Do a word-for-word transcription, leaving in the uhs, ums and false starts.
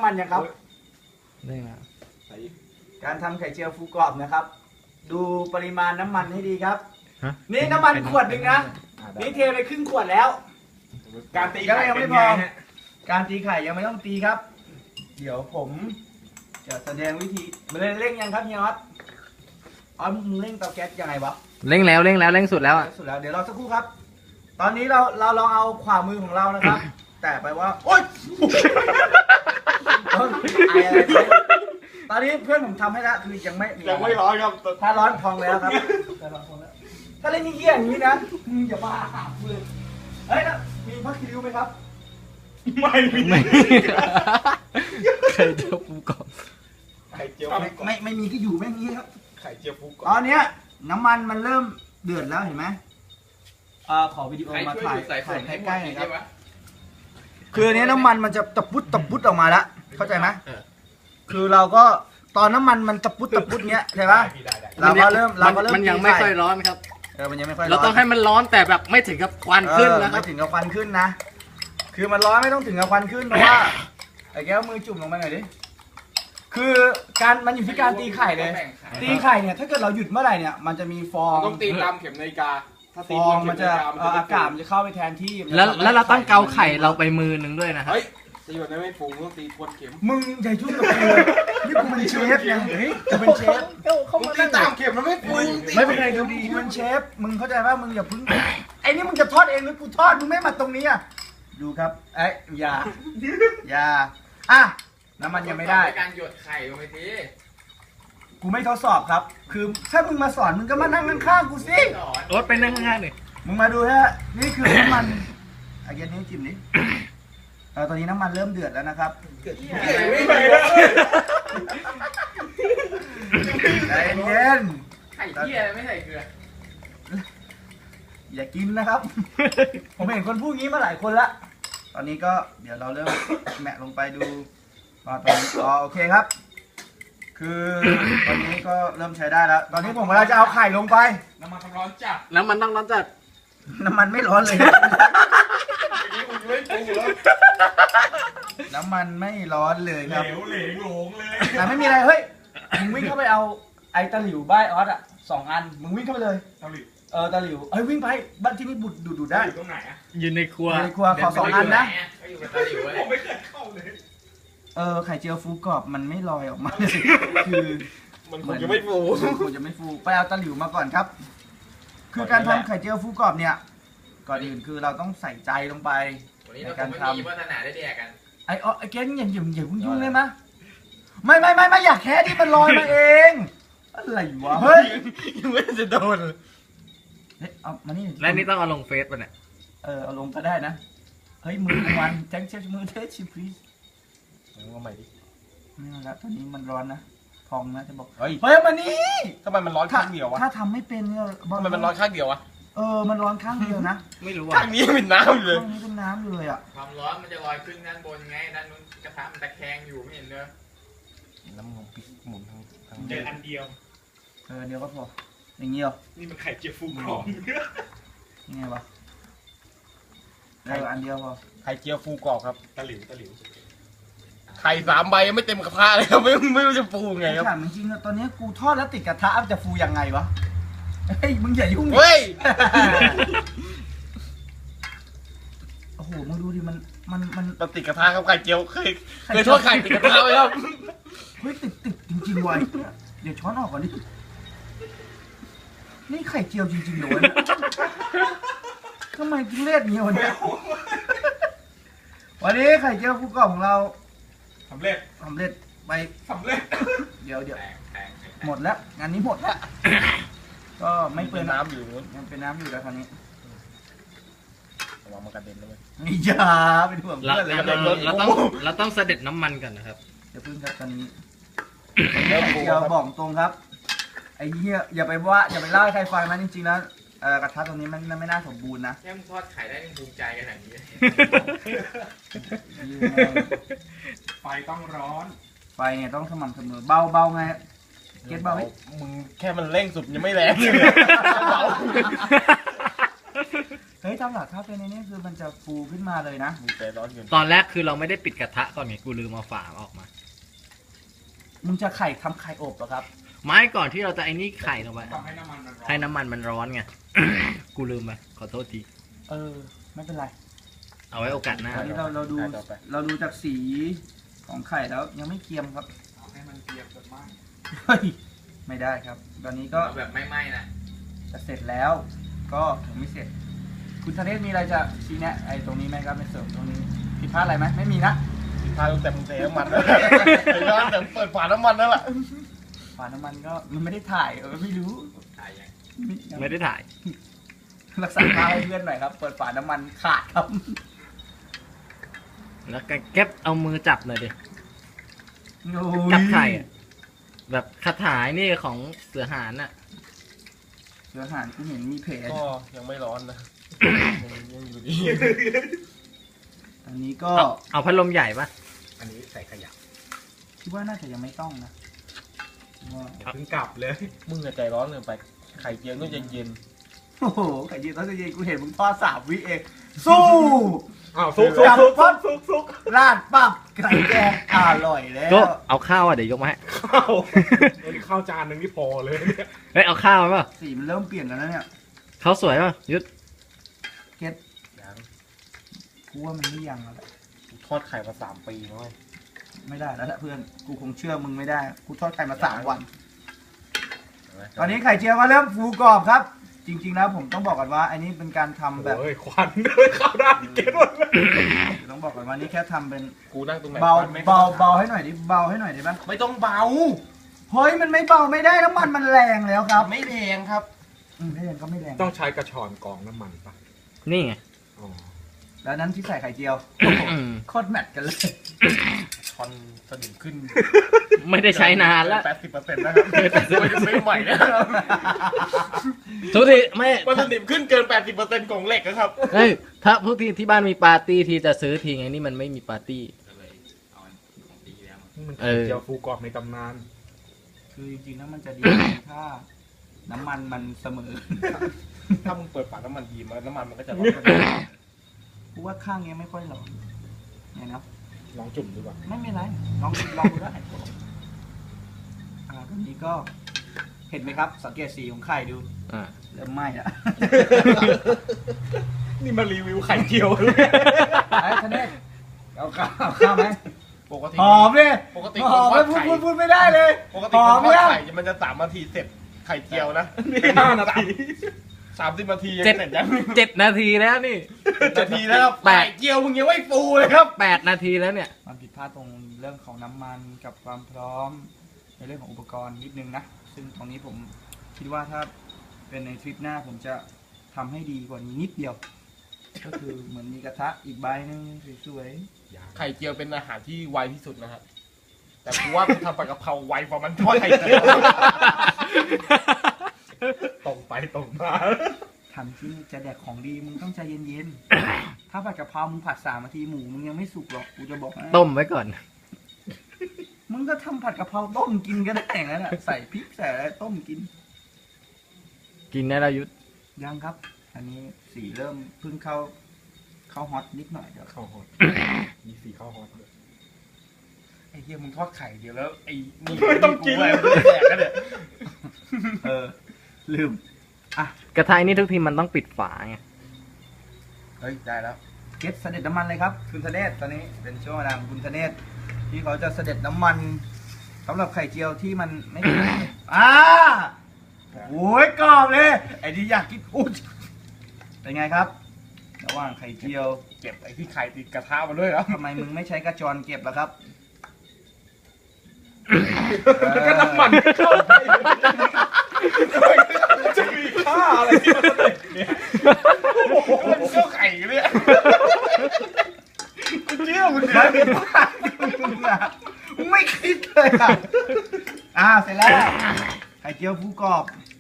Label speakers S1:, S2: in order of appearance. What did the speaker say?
S1: มันยังครับ
S2: นี่นะ
S1: การทำไข่เจียวฟูกรอบนะครับ ดูปริมาณน้ำมันให้ดีครับ
S2: ฮะ
S1: นี่น้ำมันขวดหนึ่งนะนี่เทไปครึ่งขวดแล้ว
S3: การตี
S1: ยัง
S3: ไข่
S1: ยังไม่
S3: เป็น
S1: พ
S3: ไง
S1: อ
S3: ฮะ
S1: การตีไข่ยังไม่ต้องตีครับ เดี๋ยวผมจะแสดงวิธีมันเร่งยังครับเฮียน็อตอ๋อมึงเร่งเตาแก๊สยังไงวะ
S2: เร่งแล้วเร่งแล้วเร่งสุดแล้วอ่ะ
S1: สุดแล้วเดี๋ยวรอสักครู่ครับ ตอนนี้เราเราลองเอาขวามือของเรานะครับ แต่ไปว่าโอ๊ยเออไออะไรไปตอนนี้เพื่อนผมทำให้แล้วคือยังไม่
S3: ยังไม่ร้อนครับ
S1: ถ้าร้อนพองแล้วครับถ้าร้อนพองแล้วถ้าเล่นเงี้ยอย่างนี้นะมึงอย่าบ้าหากูเลยเฮ้ยนะมีพักคิริวไหมครับ
S3: ไม่มี
S2: ไม่เคยเจอปูกรอบ
S3: ไข่เจียว
S1: ไม่ไม่ไม่มีก็อยู่แม่งนี้ครับ
S3: ไข่เจียวฟูกร
S1: ตอนเนี้ยน้ำมันมันเริ่มเดือดแล้วเห็นไหมอ่าขอวิดีโอมาถ่ายถ่ายใกล้ๆหน่อยครับคืออันนี้น้ำมันมันจะตะปุดตะปุดออกมาแล้วเข้าใจไหมคือเราก็ตอนน้ำมันมันตะปุดตะปุดเนี้ยใช่ปะเราก็เริ่มเราก็เริ่ม
S2: มันยังไม่ค่อยร้อนครับ
S1: เออมันยังไม่ค่อยร้อน
S2: เราต้องให้มันร้อนแต่แบบไม่ถึงกับควันขึ้นนะค
S1: ไม่
S2: รับ
S1: ถึงกับควันขึ้นนะ คือมันร้อนไม่ต้องถึงกับควันขึ้นเพราะว่าไอ้แก้วมือจุ่มลงไปหน่อยดิ คือการมันอยู่ที่การตีไข่เลย ตีไข่เนี่ยถ้าเกิดเราหยุดเมื่อไหร่เนี่ยมันจะมีฟอง
S3: ต้องตีตามเข็มนาฬิกาถ้า
S1: ฟ
S3: ตี
S1: อง
S3: บน
S1: มัน
S3: เข็
S1: จะ
S3: นาฬิก
S1: เอ่ออากาศมันจะเข้าไปแทนที่มันจะ
S2: แล้ว
S1: ทำให้
S2: แล้วเราต้องเกาไข่เราไปมือหนึ่งด้วยนะครับ
S3: เฮ้ยตีแบบนั้นไม่ฟูต้องตีทวนเข็ม
S1: มึงอย่ายุ่งกับกูเลยนี่กูเป็นเชฟนะเฮ้ยจะเป็นเชฟ
S3: มึงตีตามเข็มแล้วไม่ฟู
S1: ไม่เป็นไรดูดีกูเป็นเชฟ มึงเข้าใจป่ะมึงอย่าพึ่งไอ้นี่มึงจะทอดเองหรือกูทอดมึงไม่มาตรงนี้อ่ะดูครับเอ้ยอย่าอย่าอ่ะน้ำมันยังไม่ได้
S3: การหยดไข่ลงไปที
S1: กูไม่ทดสอบครับ คือถ้ามึงมาสอนมึงก็มานั่งข้างๆกูสิ
S2: รถไปนั่งข้างๆหน่อย
S1: มึงมาดูฮะ นี่คือน้ำมันอาเย็นนี้จิ้มนี้เออตอนนี้น้ำมันเริ่มเดือดแล้วนะครับ
S3: ไม่ไปแล้ว
S1: ใจเย็น
S3: ไข่เที่ยไม่ใส่เกลือ
S1: อย่ากินนะครับ ผมเห็นคนพูดงี้มาหลายคนละ ตอนนี้ก็เดี๋ยวเราเริ่ม แมะลงไปดูว่าตอนนี้อ๋อโอเคครับ คือตอนนี้ก็เริ่มใช้ได้แล้ว ตอนนี้ผมกำลังจะเอาไข่ลงไป
S3: น้ำมันร้อนจัด
S2: น้ำมันต้องร้อนจัด
S1: น้ำมันไม่ร้อนเลย
S3: นี่มึงไม่ฟูแล้ว
S1: น้ำมันไม่ร้อนเลย
S3: เหล
S1: ครับ
S3: วเหลงหลงเลย
S1: แต่ไม่มีอะไร เฮ้ย มึงวิ่งเข้าไปเอาไอ้ตะหลิวบ้ายออสอ่ะสองอัน มึงวิ่งเข้าไปเลย
S3: ตะลิด
S1: เออตะหลิวเอ้ยวิ่งไปบ้านที่นี่บุดดูดดูดได้
S3: อยู่ตรงไหนอะ
S2: อยู่ในครัว
S1: ในครัวขอสองอันนะ
S3: ก็อยู่กับตะลิวผมไม่เคยเข้าเลย
S1: เออไข่เจียวฟูกรอบมันไม่ลอยออกมาเลยคือ
S3: มันคงจะไม่ฟู
S1: มันคงจะไม่ฟูไปเอาตะหลิวมาก่อนครับ คือการทำไข่เจียวฟูกรอบเนี่ย ก่อนอื่นคือเราต้องใส่ใจลงไป
S4: วันนี้เราคงไม่มีวาสนาได้แดกกัน
S1: ไอ้อ๋อไอ้เกนอย่าอย่าอย่ายุ่งยุ่งเลยมะไม่ไม่ไม่ไม่อยากแค่ที่มันลอยมาเอง อะไรวะ เฮ้ย
S2: ยังไม่จะโดน
S1: เฮ้ยเอามานี่
S2: และนี่ต้องเอาลงเฟซป่ะเนี่ย
S1: เออเอาลงก็ได้นะ เฮ้ยมือมันแจ้งเช็คมือเทสชิพลีส
S3: ว่าใหม่ดิ
S1: ไม่เอาละตอนนี้มันร้อนนะพองนะจะบอก
S3: เฮ้ย
S1: เฮ้ยมานี่
S3: ทำไมมันร้อนข้างเดียววะ
S1: ถ้าทำไม่เป็นเนี่ยบอก
S3: ทำไมมันร้อนข้างเดียววะ
S1: เออมันร้อนข้างเดียวนะ
S2: ไม่รู้
S3: ข้า
S2: อ่ะ
S3: งนี้เป็นน้ำอยู่เลย
S1: ข้างนี้เป็นน้ำอยู่เลยอ่ะ
S4: ความร้อนมันจะลอยขึ้นด้านบนไง ด้านนู้นกระทะมันตะแคงอยู่ไม่เห็นเลย
S3: น้ำมันพริกหมุนทั้งทั้ง
S5: เจออันเดียว
S1: เออเดี๋ยวก็พออย่างงี้เหรอ
S5: นี่มันไข่เจียวฟูกรอบ
S1: ยังไงวะเอออันเดียวพอ
S3: ไข่เจียวฟูกรอบครับ
S5: ตะหลิวตะหลิว
S3: ไข่สามใบยังไม่เต็มกระทะเลยครับไม่ไม่รู้จะฟูไงครับ
S1: ถามจริงๆอะตอนนี้กูทอดแล้วติดกระทะมันจะฟูยังไงวะเฮ้ยมึงอย่ายุ่งดิ
S3: เฮ้ย
S1: โอ้โหมึงดูดิมันมันมัน
S3: มันติดกระทะครับไข่เจียวเคยเคยทอดไข่ติดกระทะไหมครับ
S1: เฮ้ยติดติดจริงๆว่ะเดี๋ยวช้อนออกก่อนดินี่ไข่เจียวจริงๆเหรอวะเนี่ยทำไมทุเรศเงี้ยวะเนี่ยวันนี้ไข่เจียวฟูกรอบของเรา
S5: สำเร็จ
S1: สำเร็จไป
S5: สำเร็จ
S1: เดี๋ยวเดี๋ยว
S4: แตกแตกแตก
S1: หมดแล้วงานนี้หมดแล้วก็ไม่เปื้
S3: เป็
S1: อน น
S3: น้ำอยู่นู้น
S1: ยังเป็นน้ำอยู่แล้วคราวนี้
S3: ระวังมันกระเด็นเลย
S1: อย่าเป็นห่วง
S2: เรา
S1: เพื่อนเลย
S2: เราเราต้องเราต้องเสด็จน้ำมันก่อนนะครับ
S1: เดี๋ยวพึ่งครับตอนนี้
S3: เริ่ม
S1: ไข่
S3: ฟู
S1: เจียว
S3: ครับ
S1: บอกตรงครับไอ้เหี้ยอย่าไปว่าอย่าไปเล่าให้ใครฟังนะจริงๆแล้วเอ่อกระทะตรงนี้มันมันไม่น่าสมบูรณ์นะ
S4: แค่มึงทอดไข่ได้มึงภูมิใจขนาดนี้
S5: ไฟต้องร้อน
S1: ไฟไงต้องสม่ำเสมอเบาเบาไงเก็ตเบาไหม
S3: มึงแค่มันเร่งสุดยังไม่แรงเลยเบา
S1: เเฮ้ยตามหลักถ้าเป็นในนี้คือมันจะฟูขึ้นมาเลยนะ
S3: มีใจร้อนเกิน
S2: ตอนแรกคือเราไม่ได้ปิดกระทะก่อนไงกูลืมเอาฝาออกมา
S1: มึงจะไข่ทำไข่อบเหรอครับ
S2: ไม้ก่อนที่เราจะไอ้นี่ไข่ลงไป
S5: ทำให้น้ำมันมันร้อน
S2: ให้น้ำมันมันร้อนไง กูลืมไปขอโทษที
S1: เออ ไม่เป็นไร
S2: เอาไว้โอกาสหน้า
S1: ตอนนี้เราเราดู
S3: ต่อไป
S1: เราดูจากสีของไข่แล้วยังไม่เกรียมครับ
S5: เอาให้มันเกรียมแบบมาก
S1: เฮ้ยไม่ได้ครับ ตอนนี้ก็
S4: เอาแบบไม่ไหม้นะ
S1: จะเสร็จแล้ว ก็ยังไม่เสร็จ คุณธเนศมีอะไรจะชี้แนะไอ้ตรงนี้ไหมครับในเสริมตรงนี้ผิดพลาดอะไรไหมไม่มีนะ
S3: พาตั้งแต่มึงเทน้ำมันแล้วเห็นว่าแต่เปิดฝาน้ำมันแล้วล่ะ
S1: ฝาน้ำมันก็มันไม่ได้ถ่ายเออไม่รู้
S4: ถ่ายยัง
S2: ไม่ได้ถ่าย
S1: รักษาค่าให้เพื่อนหน่อยครับ เปิดฝาน้ำมันขาดครับ
S2: แล้วก็เก็บเอามือจับหน่อยดิ
S1: โอ้ย
S2: จับไข่อะแบบคาถานี่ของเสือหานอ่ะ
S1: เดี๋ยวอาหารกูเห็นมีเพจ
S3: ก็ยังไม่ร้อนนะยังยังอยู่ดี
S1: อันนี้ก็
S2: เอาเอาพัดลมใหญ่ปะ
S5: อันนี้ใส่ขยะ
S1: คิดว่าน่าจะยังไม่ต้องนะว่า
S5: อย่าเพิ่งกลับเลย
S3: มึงอะใจร้อนเกินไป ไข่เจียวต้องเย็น
S1: โอ้โหไข่เจียวตอนเย็นกูเห็นมึงทอดสามวิเอง สู้
S5: อ้าวซุกซุกซุกซุกซุกซุก
S1: ราดปั๊บไข่แกงอร่อยแล้ว
S2: ก็เอาข้าวอ่ะเดี๋ยวยกมาให้
S5: ข้าวอันนี้ข้าวจานหนึ่งนี่พอเลยเนี่ย
S2: เฮ้ยเอาข้าวมาป่ะ
S1: สีมันเริ่มเปลี่ยนกันแล้วเนี่ย
S2: ข้าวสวยป่ะยุทธ
S1: เก็ต
S3: ๆยัง
S1: กูว่ามันไม่ยังแล้วแหละ
S3: กูทอดไข่มาสามปีแล้วเว้ย
S1: ไม่ได้แล้วแหละเพื่อนกูคงเชื่อมึงไม่ได้กูทอดไข่มาสามวัน ตอนนี้ไข่เจียวก็เริ่มฟูกรอบครับ จริงๆแล้วผมต้องบอกก่อนว่าอันนี้เป็นการทำแบบ
S5: โอ้ยควันเลยข้าวด้านเก็ตหมดเลย
S1: ต้องบอกก่อนว่านี่แค่ทำเป็น
S3: กูนั่งตรงไหน
S1: เบา
S3: ควันไม่
S1: เบาเบาให้หน่อยดิเบาให้หน่อยได้ปะ
S3: ไม่ต้องเบา
S1: เฮ้ยมันไม่เบาไม่ได้น้ำมันมันแรงแล้วครับ
S3: ไม่แพงครับ
S1: อืมไม่แรงก็ไม่แรง
S5: ต้องใช้กระชอนกรองน้ำมันปะ
S2: นี่ไง
S5: อ๋อ
S1: แล้วนั้นที่ใส่ไข่เจียว
S2: อืม
S1: โคตรแมทกันเลย
S3: ชอนสนิมขึ้น
S2: ไม่ได้ใช้นานแล้ว
S3: แปดสิบเปอร์เซ็นต์นะครับไม่ได้ซื้อใหม่นะครับ
S2: ทุกทีไม่
S3: มันสนิมขึ้นเกินแปดสิบเปอร์เซ็นต์ของเหล็กนะครับ
S2: เฮ้ยถ้าพวกที่ที่บ้านมีปาร์ตี้ทีจะซื้อทีไงนี่มันไม่มีปาร์ตี้
S4: ก็เลยเอาอันของปีแล้วมา
S5: นี่มัน
S2: เอ
S5: ไข่
S2: อ
S5: เจียวฟูกรอบในตำนาน
S1: คือจริงๆแล้วมันจะดีถ้าน้ำมันมันเสมอ
S3: ถ้ามึงเปิดฝาน้ำมันดีมันน้ำมันมันก็จะร้อน
S1: กูว่าข้างเนี้ยไม่ค่อยหลอนเนี่ยนะ
S5: ลองจุ่มดูก่อน
S1: ไม่เป็นไรลองลองดูได้อ่าตอนนี้ก็เห็นไหมครับ สังเกตสีของไข่ดู
S2: อ่า
S1: เริ่มไหม้แล้ว
S5: นี่มารีวิวไข่เจียวเลย
S1: ไอ้ทะเนศเอาข้าวเอาข้าวไหม
S3: ปกติ
S1: หอมเลย
S3: ปกติ
S1: หอม
S3: คนท
S1: เล
S3: อย ด
S1: พูด
S3: ไข่
S1: พูดพูดไม่ได้เลย
S3: ปกติ
S1: หอ
S3: ค
S1: ม
S3: นทอด
S1: เนี่ย
S3: ไข่มันจะสามนาทีเสร็จไข่เจียวนะ
S5: นี่ห้านาที
S3: สามสิบนาทียัง
S2: เจ็ด
S3: เสร็จยัง
S2: เจ็ดนาทีแล้วนี่
S3: นาทีแล้วครับ
S2: แปด
S3: ไข่เจียวมึงยังไม่ฟูเลยครับ
S2: แปดนาทีแล้วเนี่ย
S1: มันผิดพลาดตรงเรื่องของน้ำมันกับความพร้อม ในเรื่องของอุปกรณ์นิดนึงนะ ซึ่งตรงนี้ผมคิดว่าถ้าเป็นในทริปหน้าผมจะทำให้ดีกว่านี้นิดเดียว ก็คือเหมือนมีกระทะอีกใบหนึงสวย
S3: ไข่เจียวเป็นอาหารที่ไวที่สุดนะครับแต่กูว่ากูทำปลากระเพราไวกว่ามันทอดไข่เจียว
S5: ตรงไปตรงมา
S1: ๆทำที่จะแดกของดีมึงต้องใจเย็นๆ ถ้าผัดกะเพรามึงผัดสามนาทีหมูมึงยังไม่สุกหรอกกูจะบอกให้
S2: ต้มไว้ก่อน
S1: มึงก็ทำผัดกะเพราต้มกินก็ได้แต่งแล้วน่ะใส่พริกใส่อะไรต้มกิน
S2: กินได้แล้วยุทธ
S1: ยังครับ อันนี้สีเริ่มเพิ่งเข้าเข้าฮอตนิดหน่อยเดี๋ยว
S5: ข้าวฮอตมีสีข้าวฮอตด้วย
S3: ไอ้เหี้ยมึงทอดไข่เดียวแล้วไอ้นี่
S5: ไม่ต้องกิน
S3: เลยแดกกันเนี่ย
S1: เออ ลืม
S2: กระทะนี่ทุกทีมันต้องปิดฝาไง
S3: เฮ้ยได้แล้ว
S1: เก็ตเสด็จน้ำมันเลยครับ คุณธเนศตอนนี้เป็นช่วงเวลาของคุณธเนศที่เขาจะเสด็จน้ำมันสำหรับไข่เจียวที่มันไม่ได้ อ่าโอ้ยกรอบเลยไอ้ที่อยากกินอุ้ยเป็นไงครับ ระหว่างไข่เจียว
S3: เก็บไอ้ที่ไข่ติดกระทะมาด้วยครับ
S1: ทำไมมึงไม่ใช้กระจรเก็บล่ะครับ
S5: ก็น้ำมันเข้าไปจะมีค่าอะไรที่มันเด็ดเนี่ย
S3: มันเชื่อไข่อยู่เนี่ย
S1: กูเชื่อมึงนะมึงอะมึงไม่คิดเลยอ่ะอ่าเสร็จแล้วไข่เจียวฟูกรอบ